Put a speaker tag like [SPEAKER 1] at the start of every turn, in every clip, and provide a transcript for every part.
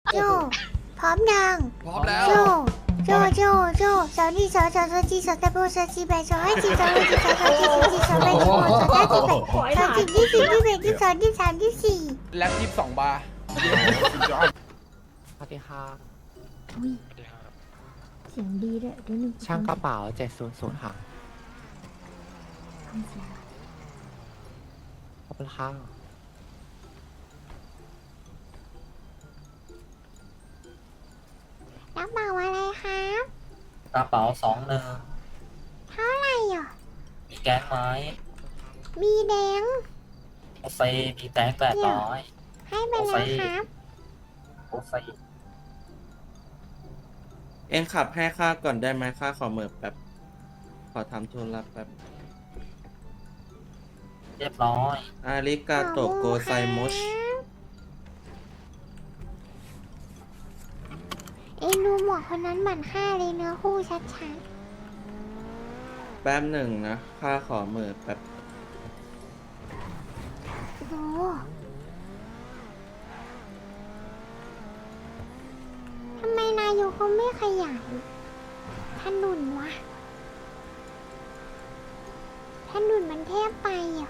[SPEAKER 1] โจพร้อมยัง
[SPEAKER 2] พร้อมแล้ว
[SPEAKER 1] โจสาวนี่สาวจีสาวตะโบสาวจีแบสาวให้จีสาวให้จีสาวจีสาวแบสาวสาวจีแบสาวจีที่สี่ที่แบที่สองที่สามที่สี่
[SPEAKER 2] แล็บ22 บาร์
[SPEAKER 3] สวัสดีค่ะ
[SPEAKER 1] อุ้ยเสียงดีด้วยเดี๋ยวหนึ่ง
[SPEAKER 3] ช่างกระเป๋า700ค่ะ
[SPEAKER 1] ทำเสียง
[SPEAKER 3] ขอบคุณค่ะ
[SPEAKER 1] รับเหมาอะไรครับ
[SPEAKER 4] กระเป๋า21
[SPEAKER 1] เท่าไหร่อ่ะ
[SPEAKER 4] มีแก๊งไม้
[SPEAKER 1] มีแดง
[SPEAKER 4] โอเฟมีแตง800
[SPEAKER 1] ให้ไปแล้วครับ
[SPEAKER 4] โอเฟ
[SPEAKER 5] เองขับให้ข้าก่อนได้ไหมข้าขอเหมือบแป๊บ ขอทำธุระแป๊บ
[SPEAKER 4] เรียบร้อย
[SPEAKER 5] อาริกาโตโกไซมุช
[SPEAKER 1] เอ็งดูหมวกคนนั้นเหมือนฆ่าเลยเนื้อคู่ชัด
[SPEAKER 5] แป๊บหนึ่งนะ ข้าขอเหมือบแป๊บ
[SPEAKER 1] ๆโอ้โหทำไมนายกเขาไม่ขยายถนนวะถนนมันแทบไปอ่ะ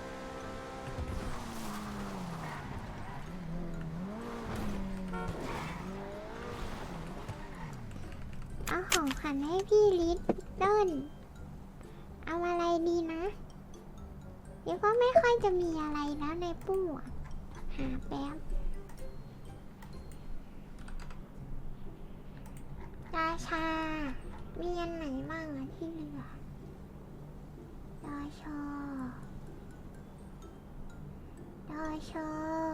[SPEAKER 1] เอาของขวัญให้พี่ลิตเติ้ลเอาอะไรดีนะเดี๋ยวก็ไม่ค่อยจะมีอะไรแล้วในตู้อะหาแป๊บราชา มีอันไหนบ้างอะที่เหลือดอชอดอชอ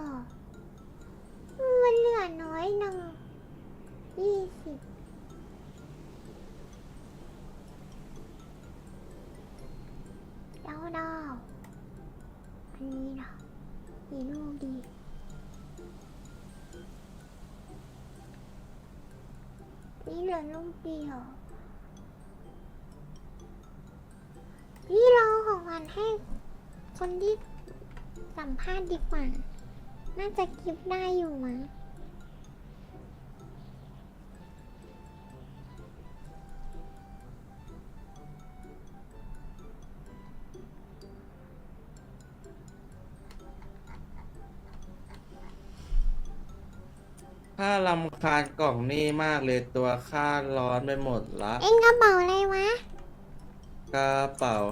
[SPEAKER 1] มันเหลือน้อยหนึ่ง20ดาวอันนี้เหรอกี่ลูกดีนี่เหลือลูกเดียวพี่ลองของขวัญให้คนที่สัมภาษณ์ดีกว่า น่าจะกิฟได้อยู่มั้ง
[SPEAKER 5] ข้ารำคาญกล่องนี่มากเลยตัวข้าร้อนไปหมดละ
[SPEAKER 1] เอ็งกระเป๋าอะไรวะ
[SPEAKER 5] กระเป๋า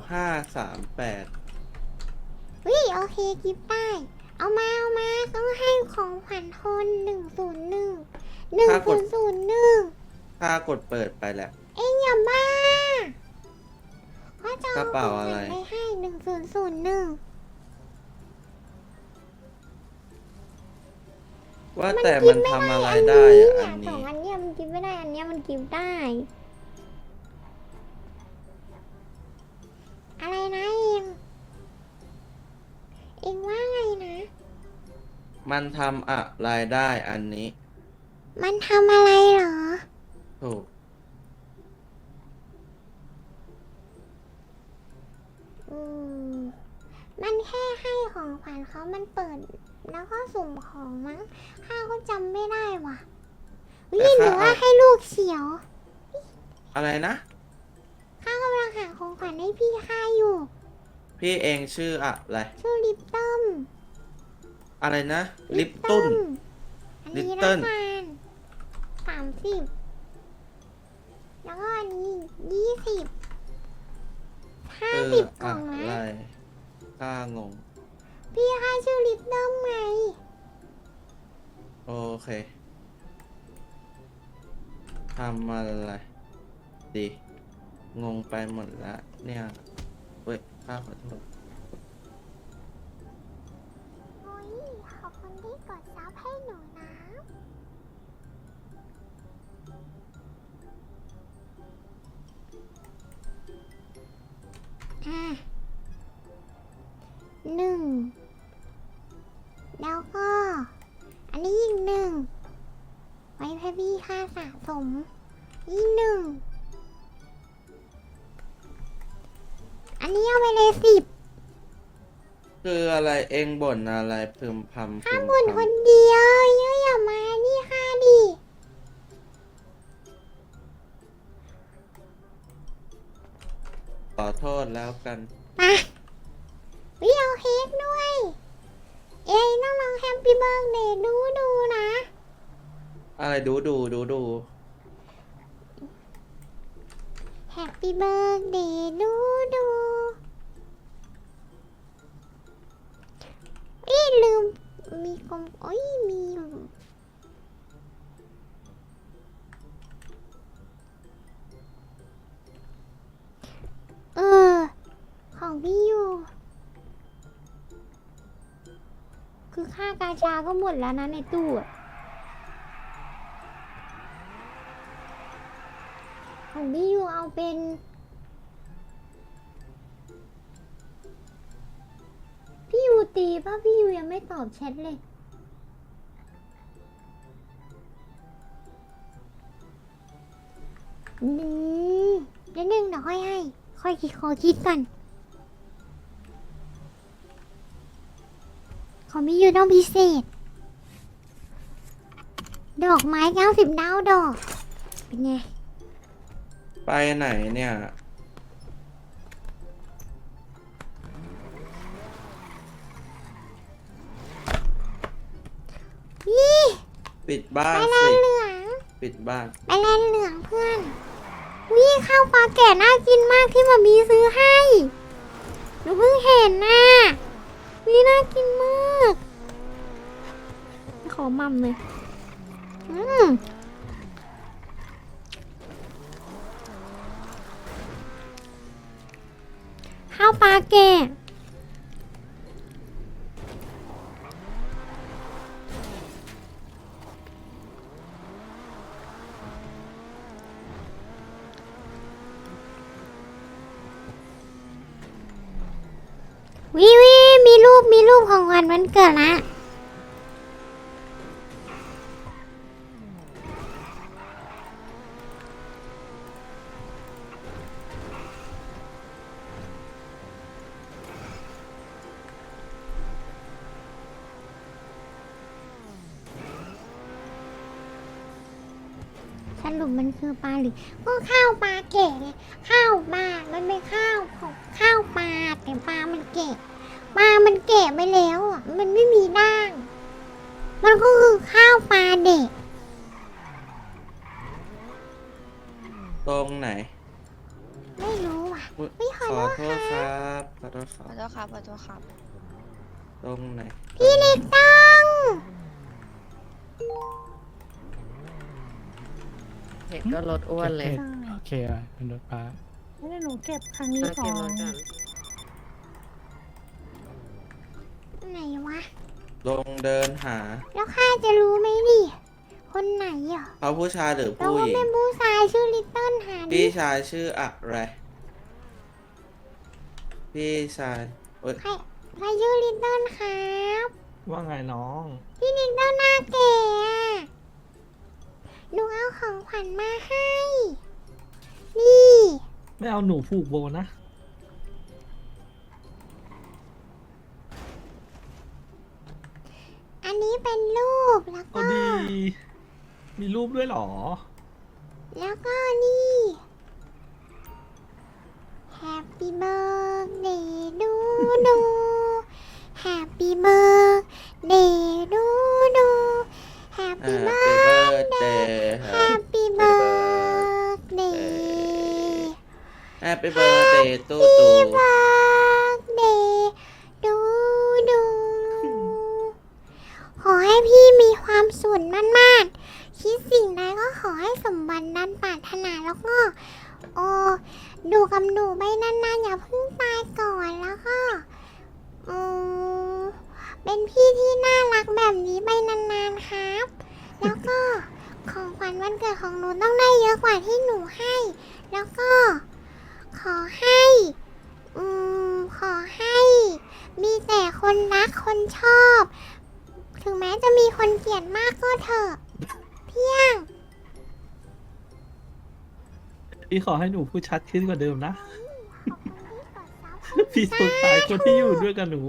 [SPEAKER 5] 538
[SPEAKER 1] วิโอเคกิฟได้ เอามาต้องให้ของขวัญคน1001
[SPEAKER 5] ข้ากดเปิดไปแหละ
[SPEAKER 1] เอ็งอย่าบ้าเขาจะ
[SPEAKER 5] กระ
[SPEAKER 1] เอาข
[SPEAKER 5] เป๋า
[SPEAKER 1] องข
[SPEAKER 5] อะไร
[SPEAKER 1] วัญไปให้1001
[SPEAKER 5] ว่าแต่มันทำอะไรได้อะอัน
[SPEAKER 1] สอ
[SPEAKER 5] นี้
[SPEAKER 1] งอันเนี้ยมันกิฟไม่ได้ อันเนี้ยมันกิฟได้ อะไรนะเอ็งว่าไงนะ
[SPEAKER 5] มันทำอะไรได้อันนี้
[SPEAKER 1] มันทำอะไรเหรอ
[SPEAKER 5] ถูก
[SPEAKER 1] อืม มันแค่ให้ของขวัญเขามันเปิด แล้วก็สุ่มของมั้งข้าก็จำไม่ได้ว่ะวิหรือว่าให้ลูกเขียว
[SPEAKER 5] อะไรนะ
[SPEAKER 1] ข้ากำลังหาของขวัญให้พี่ข้าอยู่
[SPEAKER 5] พี่เองชื่ออะไร
[SPEAKER 1] ชื่อลิปตัม
[SPEAKER 5] อะไรนะ ลิปตุ้น
[SPEAKER 1] อันนี้
[SPEAKER 5] ลิปเติ้
[SPEAKER 1] ละ
[SPEAKER 5] ล
[SPEAKER 1] กัน30 แล้วก็อันนี้20 50กล่อง
[SPEAKER 5] อะไร
[SPEAKER 1] นะ
[SPEAKER 5] ข้างง
[SPEAKER 1] พี่ข้าชื่อลิปตัมไง
[SPEAKER 5] โอเคทำอะไรดี งงไปหมดละเนี่ยเว้ยข้าขอโทษ
[SPEAKER 1] โอ้ยขอบคุณที่กดซับให้หนูนะ 1 แล้วก็ อันนี้อีก1ไว้ให้พี่ค่าสะสมอีก1อันนี้เอาไปเลย10
[SPEAKER 5] คืออะไรเองบ่นอะไรพึมพำพึ
[SPEAKER 1] ข้าม บ่นคน
[SPEAKER 5] พำ
[SPEAKER 1] เดียวเยอะอย่ามานี่ค่าดิ
[SPEAKER 5] โทษแล้วกัน
[SPEAKER 1] มาวิเอาเค้กด้วย เอ้ยต้องลองแฮปปี้เบิร์กเดย์ดูนะ
[SPEAKER 5] อะไรดู
[SPEAKER 1] แฮปปี้เบิร์กเดย์ดูอีลืม มีกลมโอ้ยมีอยู่เออ ของพี่อยู่ คือค่ากาชาก็หมดแล้วนะในตู้อะของพี่อยู่เอาเป็น พี่ยูตีป่ะพี่ยูยังไม่ตอบแชทเลยเดี๋ยวนึงเดี๋ยวค่อยให้ ค่อยคิดขอคิดก่อนของพี่ยูต้องพิเศษ ดอกไม้90 ดาวดอก เป็นไง
[SPEAKER 5] ไปไหนเนี่ย
[SPEAKER 1] นี่
[SPEAKER 5] ปิดบ้า
[SPEAKER 1] ไป
[SPEAKER 5] น
[SPEAKER 1] แล
[SPEAKER 5] สิ
[SPEAKER 1] นเหลือง
[SPEAKER 5] ปิดบ้าน
[SPEAKER 1] ไปแลนเหลืองเพื่อน วิข้าวปลาแก่น่ากินมากที่มามีซื้อให้หนูเพิ่งเห็นน่ะวิน่ากินมากขอมั่มเลยข้าวปลาแก่วิมีรูปของวันเกิดละสรุปมันคือปลาหรือก็ข้าวปลาแก่ไงข้าวปลามันเป็นข้าวของข้าวปลาแต่ปลามันแก่ปลามันแก่ไปแล้วอ่ะมันไม่มีด่าง มันก็คือข้าวปลาเด็ก
[SPEAKER 5] ตรงไหน
[SPEAKER 1] ไม่รู้อ่ะ
[SPEAKER 5] อุ๊ย
[SPEAKER 1] ไม่ขอ
[SPEAKER 5] ขอ
[SPEAKER 1] โท
[SPEAKER 5] โท
[SPEAKER 1] ษ
[SPEAKER 5] ษ
[SPEAKER 1] ค
[SPEAKER 5] ครับ รับขอโทษค
[SPEAKER 2] ข
[SPEAKER 5] รั
[SPEAKER 2] อบ โทษครับขอโทษครับ
[SPEAKER 5] ตรงไหน
[SPEAKER 1] พี่เล็กต้อง
[SPEAKER 3] เห็นก็ลดอ้วนเลย
[SPEAKER 6] โอเคอ่ะเป็นรถป้า
[SPEAKER 7] ไม่ได้หนูเก็บครั้งนี้
[SPEAKER 3] มา
[SPEAKER 7] สอ
[SPEAKER 3] เก็บ
[SPEAKER 7] ง
[SPEAKER 3] รถกัน
[SPEAKER 1] ไหนวะ
[SPEAKER 5] ลงเดินหา
[SPEAKER 1] แล้วข้าจะรู้ไหมดิคนไหนอ่ะ
[SPEAKER 5] เขาผู้ชายหรือ
[SPEAKER 1] เรา
[SPEAKER 5] ผู้
[SPEAKER 1] ก็
[SPEAKER 5] หญิง
[SPEAKER 1] เป็นผู้ชายชื่อลิตเติ้ลหาดิ
[SPEAKER 5] พี่ชายชื่ออะไร พี่ชายเอ้ย
[SPEAKER 1] ใครชื่อลิตเติ้ลครับ
[SPEAKER 6] ว่าไงน้อง
[SPEAKER 1] พี่ลิตเติ้ลหน้าแก่อะหนูเอาของขวัญมาให้ นี่
[SPEAKER 6] ไม่เอาหนูผูกโบนะ
[SPEAKER 1] อันนี้เป็นรูปแล้ว
[SPEAKER 6] เอา
[SPEAKER 1] ก็
[SPEAKER 6] ดี มีรูปด้วยเหรอ
[SPEAKER 1] แล้วก็นี่ Happy birthday ดู Happy birthday ดู Happy birthday
[SPEAKER 5] Happy
[SPEAKER 1] Happy
[SPEAKER 5] birthday
[SPEAKER 1] birthday
[SPEAKER 5] Happy birthday ตู้
[SPEAKER 1] Happy
[SPEAKER 5] ตู่
[SPEAKER 1] birthday ดูขอให้พี่มีความสุขมากๆคิดสิ่งใดก็ขอให้สมหวังดังปรารถนาแล้วก็ดูกับหนูไปนานๆอย่าเพิ่งตายก่อนแล้วก็เป็นพี่ที่น่ารักแบบนี้ไปนานๆครับ แล้วก็ของขวัญวันเกิดของหนูต้องได้เยอะกว่าที่หนูให้ แล้วก็ขอให้มีแต่คนรักคนชอบ ถึงแม้จะมีคนเกลียดมากก็เถอะ เพียง
[SPEAKER 6] พี่ขอให้หนูพูดชัดขึ้นกว่าเดิมนะ
[SPEAKER 1] ขอบคุณที่กดซับ
[SPEAKER 6] พี่สงสารคนที่อยู่ด้วยกับหนู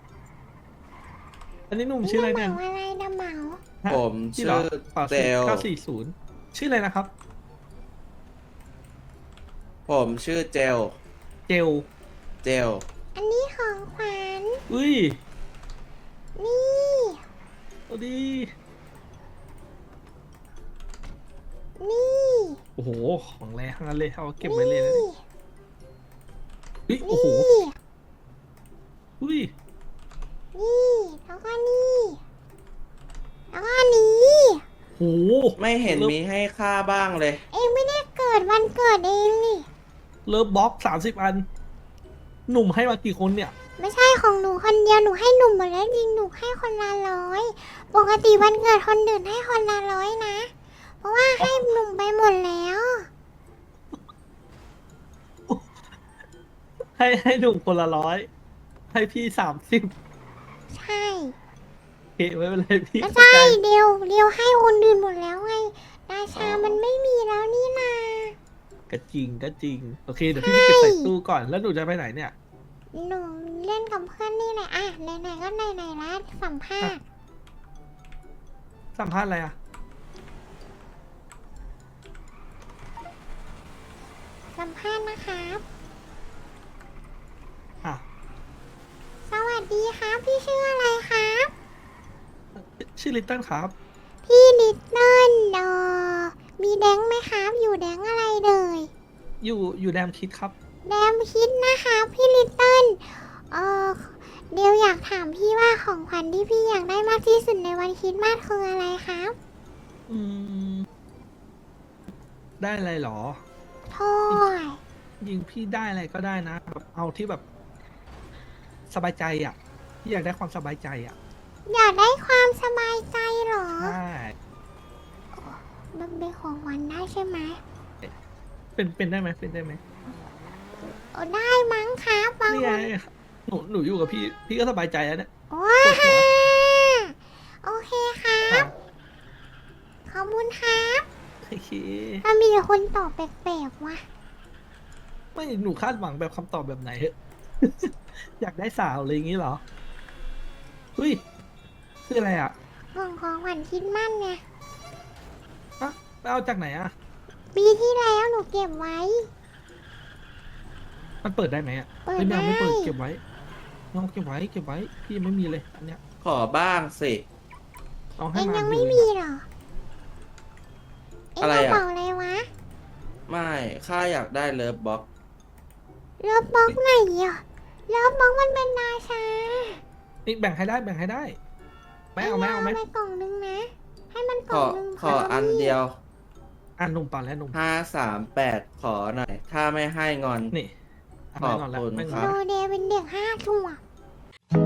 [SPEAKER 6] อันนี้หนุ่มชื่ออะไรเนี่ย
[SPEAKER 1] ดำเหมาอะไรดำเหมา
[SPEAKER 6] ฮะ
[SPEAKER 5] ผม
[SPEAKER 6] พี่
[SPEAKER 5] ชื่
[SPEAKER 6] หร
[SPEAKER 5] อ
[SPEAKER 6] ป่า
[SPEAKER 5] เซล
[SPEAKER 6] 940 ชื่ออะไรนะครับ
[SPEAKER 5] ผมชื่อเจล
[SPEAKER 6] เจล
[SPEAKER 5] เจล
[SPEAKER 1] อันนี้ของขวัญ
[SPEAKER 6] อุ้ย
[SPEAKER 1] นี่
[SPEAKER 6] เอาดี
[SPEAKER 1] นี่
[SPEAKER 6] โอ้โห ของแรงทั้งนั้นเลย เอาเก็บไว้เลยนะ
[SPEAKER 1] นี่
[SPEAKER 6] อุ้ย โอ้โห
[SPEAKER 1] นี่
[SPEAKER 6] อุ้ย
[SPEAKER 1] นี่แล้วก็นี่แล้วก็อันนี้
[SPEAKER 6] โอ้โห
[SPEAKER 5] ไม่เห็นมีให้ค่าบ้างเลย
[SPEAKER 1] เองไม่ได้เกิดวันเกิดเองนี่
[SPEAKER 6] เลิฟบ็อก30 อัน หนุ่มให้มากี่คนเนี่ย
[SPEAKER 1] ไม่ใช่ของหนูคนเดียวหนูให้หนุ่มหมดแล้วจริงหนูให้คนละ100ปกติวันเกิดคนอื่นให้คนละ100นะ เพราะว่าให้หนุ่มไปหมดแล้ว
[SPEAKER 6] ให้หนุ่มคนละ100 ให้พี่30
[SPEAKER 1] ใช่
[SPEAKER 6] เฮ้ไม่เป็นไรพี่
[SPEAKER 1] ไม่
[SPEAKER 6] เข้า
[SPEAKER 1] ใช่
[SPEAKER 6] ใจ
[SPEAKER 1] เดียวให้คนอื่นหมดแล้วไงราชามันไม่มีแล้วนี่นา
[SPEAKER 6] ก็จริงก็จริง โอเค เดี๋ยวพี่ไปเก็บใส่ตู้ก่อน แล้วหนูจะไปไหนเนี่ย
[SPEAKER 1] หนูเล่นกับเพื่อนนี่แหละอ่ะไหนๆก็ไหนๆแล้วสัมภาษณ์
[SPEAKER 6] สัมภาษณ์อะไรอ่ะ
[SPEAKER 1] สัมภาษณ์นะครับ
[SPEAKER 6] อ่ะ
[SPEAKER 1] สวัสดีครับพี่ชื่ออะไรครับ
[SPEAKER 6] ชื่อลิตเติ้ลครับ
[SPEAKER 1] พี่ลิตเติ้ลมีแดงไหมครับ อยู่แดงอะไรเลย
[SPEAKER 6] อยู่แดมคิดครับ
[SPEAKER 1] แดมคิดนะคะพี่ลิตเติ้ลเดี๋ยวอยากถามพี่ว่าของขวัญที่พี่อยากได้มากที่สุดในวันคริสต์มาสคืออะไรครับ
[SPEAKER 6] อืม ได้อะไรหรอ
[SPEAKER 1] โทษ
[SPEAKER 6] ยิงพี่ได้อะไรก็ได้นะแบบเอาที่แบบ สบายใจอ่ะ พี่อยากได้ความสบายใจอ่ะ
[SPEAKER 1] อยากได้ความสบายใจเหรอ
[SPEAKER 6] ใช่
[SPEAKER 1] มันเป็นของขวัญได้ใช่ไหม
[SPEAKER 6] เป็นได้ไหมเป็นได้ไหม
[SPEAKER 1] ได้มั้งครับบาง
[SPEAKER 6] นี่
[SPEAKER 1] ค
[SPEAKER 6] ไง
[SPEAKER 1] น
[SPEAKER 6] หนูอยู่กับพี่ก็สบายใจแล้วเนี่ย
[SPEAKER 1] ว้า
[SPEAKER 6] ปวดหัว
[SPEAKER 1] โอเคครับ ขอบคุณครับ
[SPEAKER 6] โอเค
[SPEAKER 1] ถ้ามีแต่คนตอบแปลกๆว่ะ
[SPEAKER 6] ไม่หนูคาดหวังแบบคำตอบแบบไหนเหอะ อยากได้สาวอะไรอย่างงี้เหรอเฮ้ยคืออะไรอ่ะ
[SPEAKER 1] ของขวัญคริดมั่นไง
[SPEAKER 6] อะไปเอาจากไหนอ่ะ
[SPEAKER 1] ปีที่แล้วหนูเก็บไว้
[SPEAKER 6] มันเปิดได้ไหมอ่ะ
[SPEAKER 1] เปิด
[SPEAKER 6] ฮ้ยไม่อาไม่เปิด
[SPEAKER 1] ได้
[SPEAKER 6] เก็บไว้น้องเก็บไว้ พี่ยังไม่มีเลยอันเนี้ย
[SPEAKER 5] ขอบ้างสิ
[SPEAKER 6] ลอง
[SPEAKER 1] เอ
[SPEAKER 6] ให้
[SPEAKER 1] ง
[SPEAKER 6] มา
[SPEAKER 1] ยัง
[SPEAKER 6] ดู
[SPEAKER 1] ไม่
[SPEAKER 6] เลย
[SPEAKER 1] มี
[SPEAKER 6] นะ
[SPEAKER 1] เหรอ เอ็ง
[SPEAKER 5] อะไร
[SPEAKER 1] กระ
[SPEAKER 5] อะ
[SPEAKER 1] เป๋าอะไรวะ
[SPEAKER 5] ไม่ข้าอยากได้เลิฟบ็อก
[SPEAKER 1] เลิฟบ็อกไหนอ่ะเลิฟบ็อกมันเป็นราชา
[SPEAKER 6] นี่แบ่งให้ได้ไม่เอาไหม
[SPEAKER 1] ไปกล่องนึงนะ ให้มันก
[SPEAKER 5] ข
[SPEAKER 1] ล่อ
[SPEAKER 5] อง
[SPEAKER 1] นึง
[SPEAKER 5] ขออันเดียว
[SPEAKER 6] อ่ะหนุ่มป่านแล้วหนุ่ม
[SPEAKER 5] 538 ขอหน่อย ถ้าไม่ให้งอน
[SPEAKER 6] นี่ะ
[SPEAKER 5] ขอบ
[SPEAKER 6] ไม่งนแล้ว
[SPEAKER 5] คุณ
[SPEAKER 6] ไม่ง
[SPEAKER 5] ครั
[SPEAKER 6] อน
[SPEAKER 5] บ
[SPEAKER 1] โดเดย์เป็นเด็ก5 ขวบ